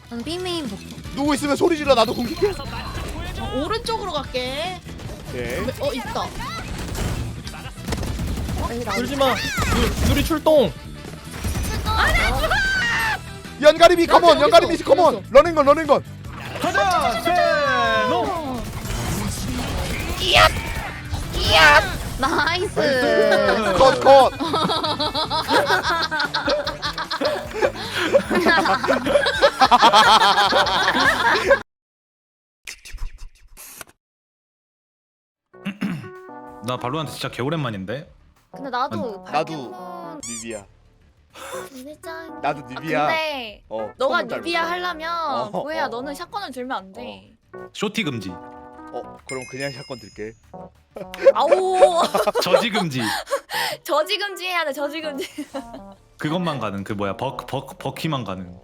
난 빅메인 복도. 누구 있으면 소리 질러. 나도 공격해. 오른쪽으로 갈게. 예. 있다. 울지마. 누리 출동. 연가리비 컴온. 연가리비 컴온. 러닝건 러닝건. 가자. 세노. 나이스. 컷. 나 발로란트 진짜 개오랜만인데. 근데 나도 나도 뉴비야. 진짜. 나도 뉴비야. 근데 너가 처음 닮았어. 뉴비야 하려면 보혜야 어. 너는 샷건을 들면 안 돼. 쇼티 금지. 그럼 그냥 샷건 들게. 아오. 저지 금지. 저지금지 해야 돼. 저지금지. 그것만 가능. 그 뭐야 버키만 가능.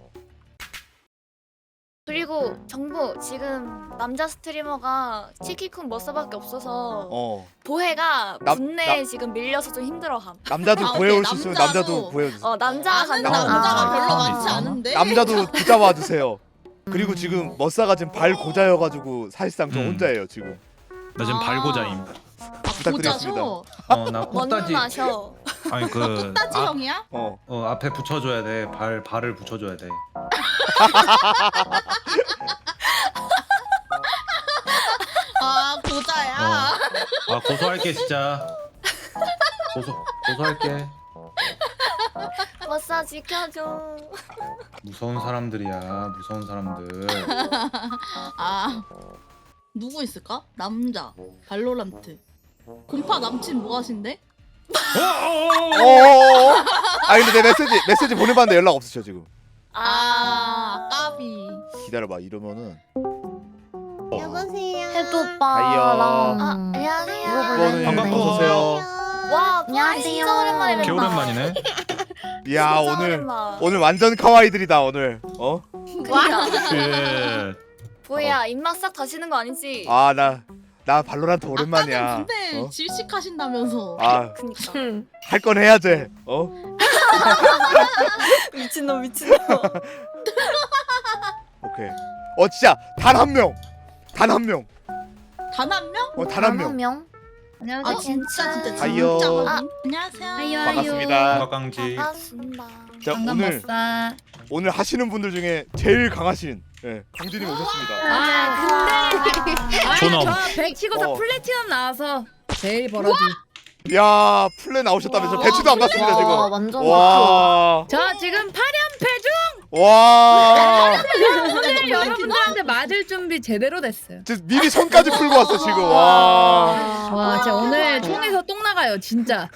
그리고 정부 지금 남자 스트리머가 치키쿤 머싸밖에 없어서 보혜가 분내에 지금 밀려서 좀 힘들어함. 남자도 구해올 수 있으면 남자도. 남자도 구해주세요. 남자가 아는 간다. 남자가 별로 사람이 많지 있어? 않은데. 남자도 붙잡아 주세요. 그리고 지금 머싸가 지금 발 고자여가지고 사실상 저 음. 혼자예요 지금. 나 지금 발고자임. 부탁드리겠습니다. 고자셔. 나 먼저 꽃다지. 마셔. 아니 그 따지 형이야? 앞에 붙여줘야 돼. 발을 붙여줘야 돼. 아 고자야. 고소할게 진짜. 고소할게. 머싸 지켜줘. 무서운 사람들이야. 무서운 사람들. 아 누구 있을까? 남자 발로란트 공파 남친 뭐 하신대? 아 근데 내 메시지 보내봤는데 연락 없으셔 지금. 아 까비. 기다려봐 이러면은. 여보세요. 해도 하이요. 오빠랑 안녕하세요. 이거는 반갑고. 어서 오세요. 와 안녕하세요. 진짜 오랜만에 뵙다. 개오랜만이네. 야 진짜 오늘 오랜만. 오늘 완전 카와이들이다 오늘. 그 보혜야 입맛 싹 다시는 거 아니지? 나 발로란트 오랜만이야. 아까는 근데 어? 질식하신다면서. 그니까. 할 건 해야지. 미친놈. 오케이. 진짜 단 한 명. 단 한 명. 단 한 명? 단 한 명. 명. 아 진짜 하이요. 안녕하세요. 반갑습니다. 건강지. 반갑습니다. 자 오늘 하시는 분들 중에 제일 강하신 강진님 오셨습니다. 존엄. 저100 치고서 플래티넘 나와서 제일 벌어지. 야 플레 나오셨다면서 배치도 안 받습니다 지금. 완전 와. 저 지금 8연패 중. 와. 오늘 여러분들한테 맞을 준비 제대로 됐어요. 진짜 미리 손까지 풀고 왔어 지금. 와. 와, 진짜 오늘 총에서 똥 나가요, 진짜.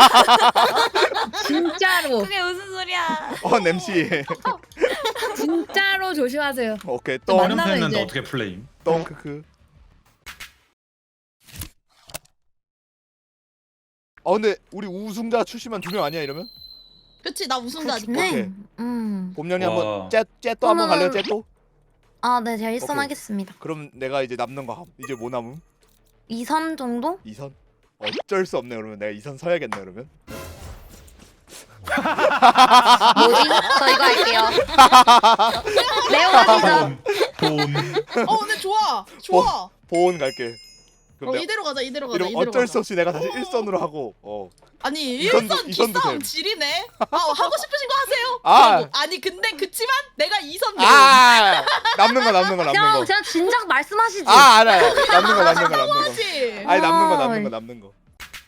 진짜로. 그게 무슨 소리야? 냄새. 진짜로 조심하세요. 오케이 또 똥. 만나면 어렵했는데 이제. 어떻게 플레임? 똥 크크. 근데 우리 우승자 출시만 2명 아니야 이러면? 그치 나 우승자니까. 오케이. 봄년이 와. 한번 쟤또 한번 갈래요 쟤또? 네 제가 오케이. 하겠습니다. 그럼 내가 이제 남는 거 이제 뭐 남음? 2선 정도? 2선? 어쩔 수 없네 그러면 내가 2선 서야겠네 그러면. 뭐지? 저 이거 할게요. 레오 가시죠. 근데 좋아. 보온 갈게. 그럼 내가 이대로 가자. 이러면 어쩔 수 없이 내가 다시 1선으로 하고 아니 이선도- 1선 이선도 기싸움 됨. 지리네. 하고 싶으신 거 하세요. 아. 그러고. 아니 근데 그치만 내가 2선 남는 거 형 그냥 진작 말씀하시지. 알아요. 남는 거 하지. 아니 남는 거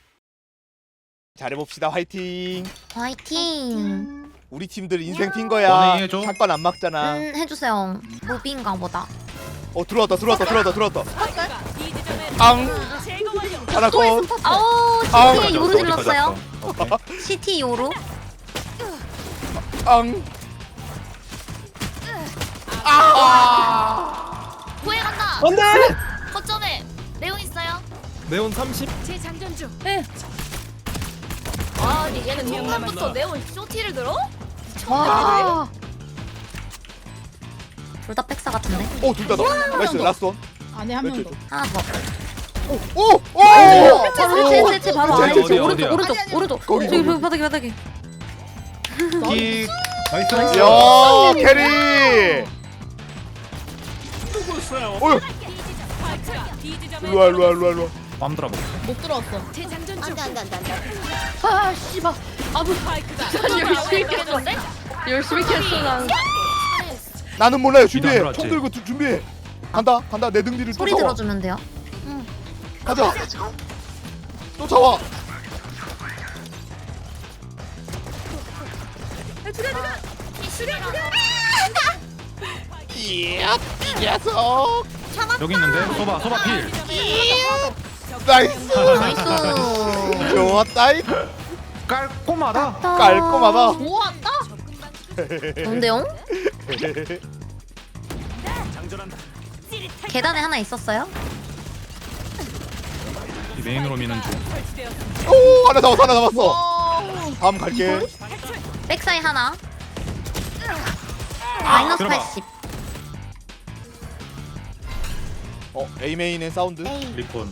잘해봅시다. 화이팅. 화이팅. 우리 팀들 인생 핀 거야. 너네 해줘. 샷건 안 막잖아. 해주세요. 무비인가 보다. 들어왔다. 앙. 하나 컷. 아우 아우, CT 요로 어디 질렀어요. 가졌어? CT 요로. 앙. 보혜 간다. 안돼. 거점에 레온 있어요. 네온 30. 아니 얘는 초반부터 레온 쇼티를 들어? 와. 둘 다 백사 같은데. 둘 다 나. 나이스 라스트 원. 안에 한 명 더. 하나 더. 오. 그치 바로 어디야, 안에 어디야, 오른쪽 어디야? 오른쪽. 거기. 저기 바닥에. 킥. 나이스. 야 캐리. 어휴. 일로와 일로와 일로와 일로와. 빰 들어봐. 못 들어왔어. 아 씨발. 아무 열심히 켰어. 열심히 켰어 난. 나는 몰라요. 준비해. 뒤도 안 총 들어왔지? 들고 준비해. 간다 간다. 내 등 뒤를 소리 쫓아와. 들어주면 돼요. 가자. 쫓아와. 이야 이 녀석. 여기 있는데 소바 필. 나이스. 나이스. 좋았다이. 깔끔하다. 깔끔하다. 좋았다. 좋은데요? 계단에 하나 있었어요? 이 메인으로 미는 중. 오 하나 잡았어 하나 잡았어. 와. 다음 갈게. 백사이 하나. 마이너스 들어가. 80. A 메인의 사운드. 에이. 리콘.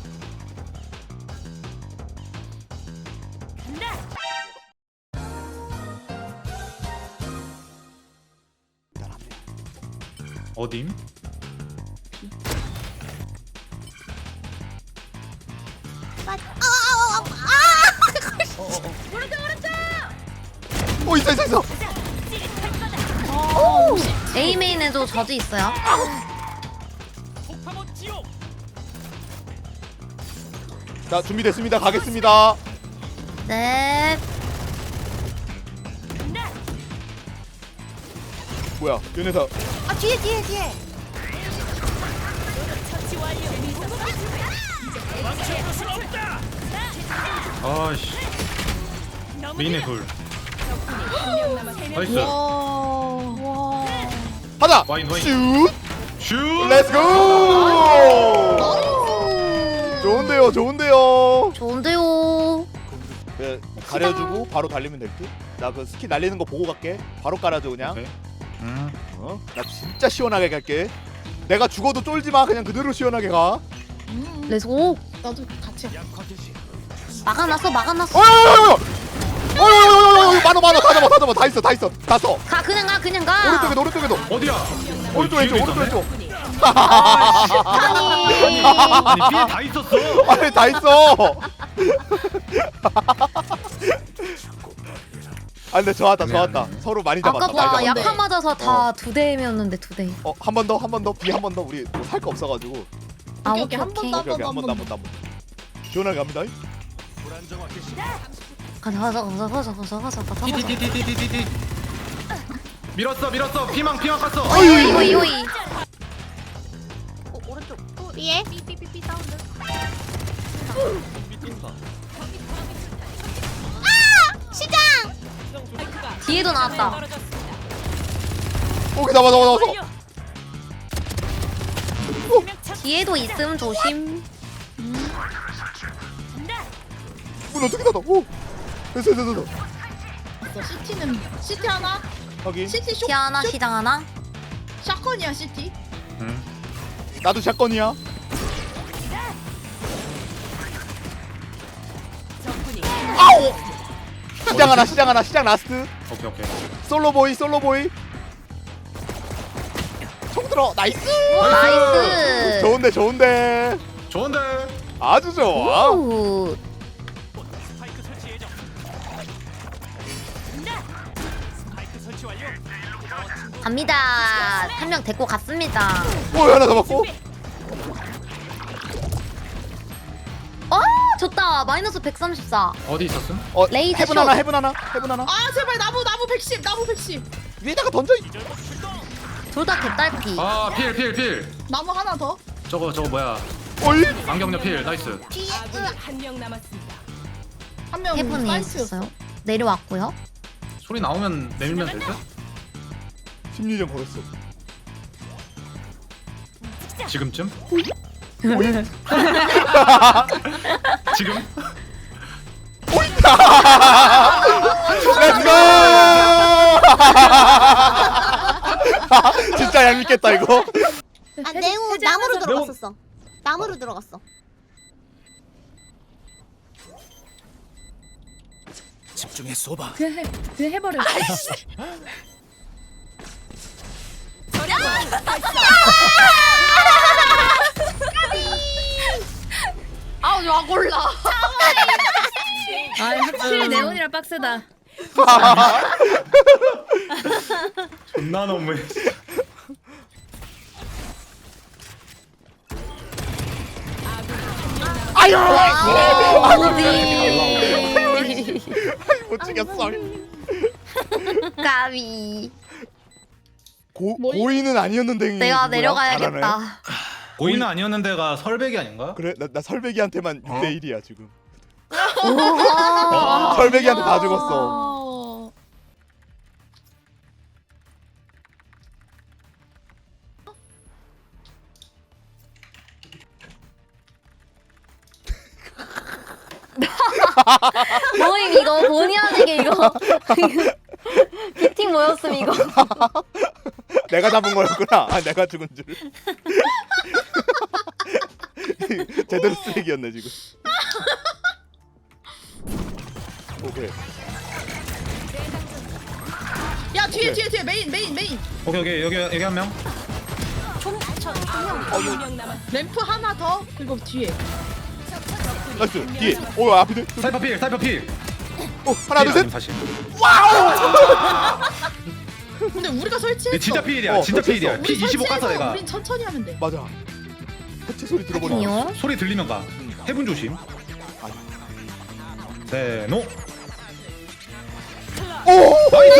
어딘? 있어 있어 있어. A 메인에도 저지 있어요. 자 준비됐습니다. 가겠습니다. 네. 뭐야 연애사. 아 뒤에. 아씨. 메인에 둘. 나이스. 와. 하자. 와인. 슛. 슛. 렛츠고. 좋은데요 좋은데요. 좋은데요. 네, 가려주고 바로 달리면 될 듯. 나 그 스키 날리는 거 보고 갈게. 바로 깔아줘 그냥. 오케이. 나 진짜 시원하게 갈게. 내가 죽어도 쫄지 마. 그냥 그대로 시원하게 가. 레츠고. 나도 같이. 막아놨어. 어여여여여여여여여여여여 많어 다 잡아 다 있어 다 써. 가 그냥 가. 오른쪽에도 어디야? 오른쪽 왼쪽. 아니 B에 다 있었어. 아니 다 있어. 아 근데 좋았다. 서로 많이 잡았다. 아까 봐 많이 잡았다. 약화 맞아서 다 2대이었는데 2대. 한 번 더 B 한 번 더. 우리 뭐 살 거 없어가지고. 아 오케이, 오케이 한 번 오케이. 더. 오케이 한 번 더. 시원하게 갑니다. 가자. 디디디디디디디. 밀었어. 피망 깠어. 오이. 위에 뒤에도 나왔다. 오케이 잡아. 뒤에도 있음 조심. 문 어떻게 닫아? 오. 됐어. CT는 CT 하나. 확인. CT 쇼. 티 하나 시장 하나. 샷건이야 CT. 응. 나도 샷건이야. 아오. 시장 하나. 시장 라스트. 오케이. 솔로보이. 총 들어. 나이스. 나이스. 좋은데. 아주 좋아. 오. 갑니다. 한 명 데리고 갔습니다. 오 하나 잡았고. 좋다. 마이너스 134. 어디 있었음? 레이저 헤븐 숏. 하나. 아 제발 나무 110. 나무 110. 위에다가 던져. 둘 다 개딸피. 아 필. 나무 하나 더. 저거 뭐야? 어이. 안경녀 필. 나이스. 한 명. 해븐이 나이스였어. 있었어요. 내려왔고요. 소리 나오면 내밀면 될 듯? 심리전 걸었어. 지금쯤? 지금? 렛츠고. 진짜 얄밉겠다 이거. 아 네오 나무로 들어갔었어. 나무로 들어갔어. 집중해 쏘봐. 그냥 해버려. 아! 레온이라 빡세다. 존나 너무해. 아유 오비. 못 찍겠어. 까비. 고인은 아니었는데 내가 누구야? 내려가야겠다. 잘하네. 고인은 아니었는데가 설백이 아닌가? 그래 나 설백이한테만 6대 1이야 지금. 우와. 설백이한테 다 죽었어. 어. 뭐임 이거 본의 아니게 이거. 피팅 뭐였음 이거. 내가 잡은 거였구나. 아, 내가 죽은 줄. 제대로 쓰레기였네 지금. 오케이. 야 뒤에 메인. 오케이 여기 한 명. 램프 하나 더 그리고 뒤에. 나이스. 뒤에. 오 앞에. 사이퍼 필. 오 하나 둘 셋. 사실. 근데 우리가 설치했어. 네, 진짜 필이야. 진짜 설치했어. 필이야. 피 25 깠어 내가. 우린 천천히 하면 돼. 맞아. 해체 소리 들어보니. 아니요. 소리 들리면 가. 해분 조심. 세노. 오.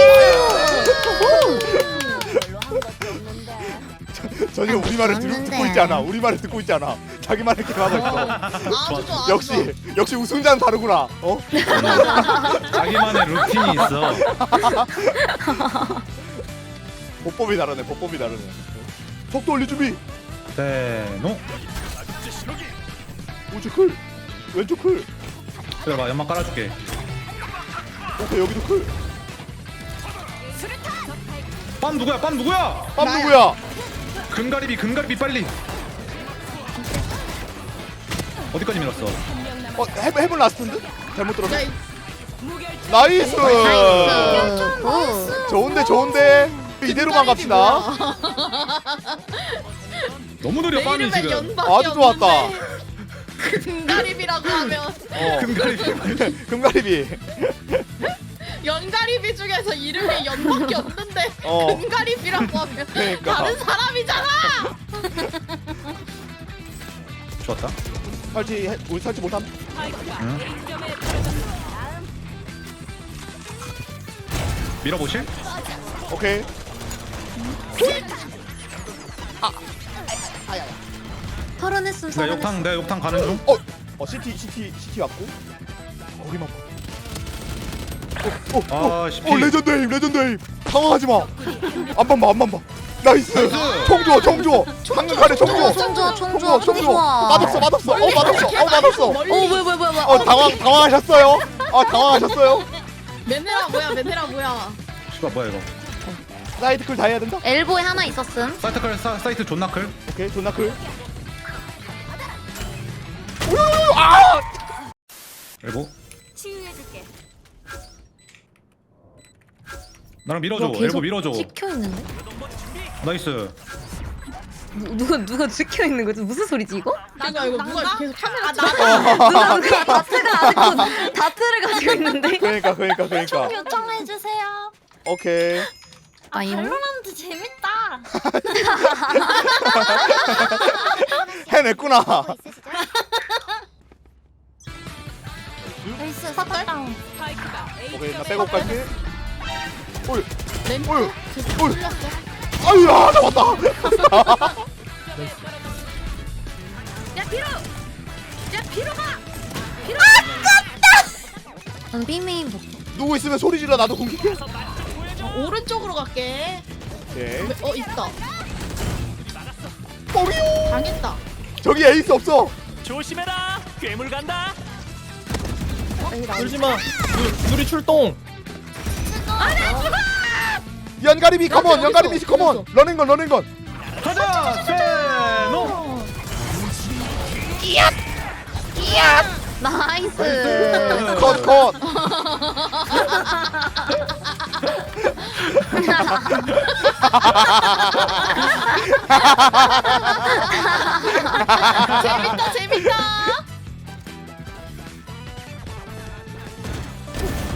전혀 우리 말을 듣고 있지 않아. 우리 말을 듣고 있지 않아. 자기 말을 이렇게 하고 있어. 아주 좋아. 역시 우승자는 다르구나. 어? 자기만의 루틴이 있어. 보법이 다르네. 속도 올리 준비. 세노. 우측 클. 왼쪽 클. 들어봐 연막 깔아줄게. 오케이 여기도 클. 빰 누구야? 빰 누구야? 금가리비 빨리. 어디까지 밀었어? 해본 라스트인데? 잘못 들었어. 야, 나이스. 굿. 좋은데. 이대로만 갑시다. 너무 느려 내 빰이 이름엔 지금. 연밖에 아주 좋았다. 없는데. 금가립이라고 하면 금가리비. 금가리비. 연가리비 중에서 이름이 연밖에 없는데 어. 금가립이라고 하면 그러니까. 다른 사람이잖아. 좋았다. 우리 설치 못함. 밀어보실? 오케이. 털어냈음 내가 욕탕 가는 중. CT 왔고. 거기만 봐. 아, CP. 레전드. 당황하지 마. 안만 봐. 나이스. 총 줘. 방금 가래 총 줘. 총 좋아. 맛없어. 맛없어. 뭐야. 당황하셨어요? 당황하셨어요? 맨네라 뭐야. 씨발 뭐야 이거. 사이드 클 다 해야 된다. 엘보에 하나 있었음. 사이트 존나 클. 오케이, 존나 클. 그리고 치유해줄게. 나랑 밀어줘. 계속 엘보 밀어줘. 찍혀 있는데? 나이스. 누가 찍혀 있는 거지? 무슨 소리지 이거? 그러니까 이거 누가 계속 카메라 누가 다트가 아직도 다트를 가지고 있는데? 그러니까. 요청해주세요. 오케이. 아이요? 밸런트 재밌다. 해냈구나. 나이스 사다운. 오케이, 나 백업 갈게. 램프 어이. 풀렸어. 아유야, 잡았다. 난 B메인 볼게. 누구 있으면 소리 질러. 나도 공격해. 오른쪽으로 갈게. 오케이. 있다. 뻥이요. 당했다. 저기 에이스 없어. 조심해라. 괴물 간다. 울지 마. 누리 출동. 연가리비 컴온. 연가리비 컴온. 러닝건. 가자. 세노. 나이스. 컷. 재밌다.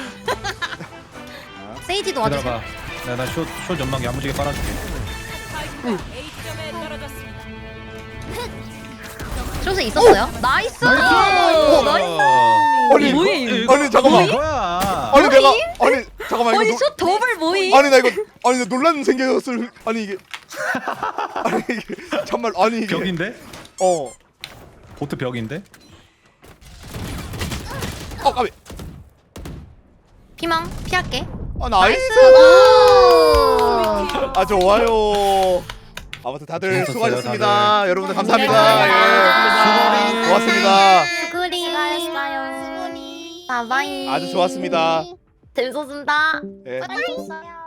세이지도 와주세요. 기다려봐. 나쇼 전망기 야무지게 빨아줄게. 쇼스 있었어요? 나이스! 나이스! 아니 뭐임? 아니 잠깐만. 뭐야? 아니 내가 아니 잠깐만 아니 이거 쇼 더블 모임? 아니 나 이거 아니 나 논란 생겼을 아니 이게 아니 이게 정말 아니 이게 벽인데? 보트 벽인데? 까비. 피망 피할게. 나이스. 아 좋아요. 아무튼 다들 재밌었어요, 수고하셨습니다. 여러분들 감사합니다. 네, 예. 고맙습니다. 수고리. 수고하셨어요. 바이바이. 아주 좋았습니다. 재밌었습니다. 예. 수고하셨어요.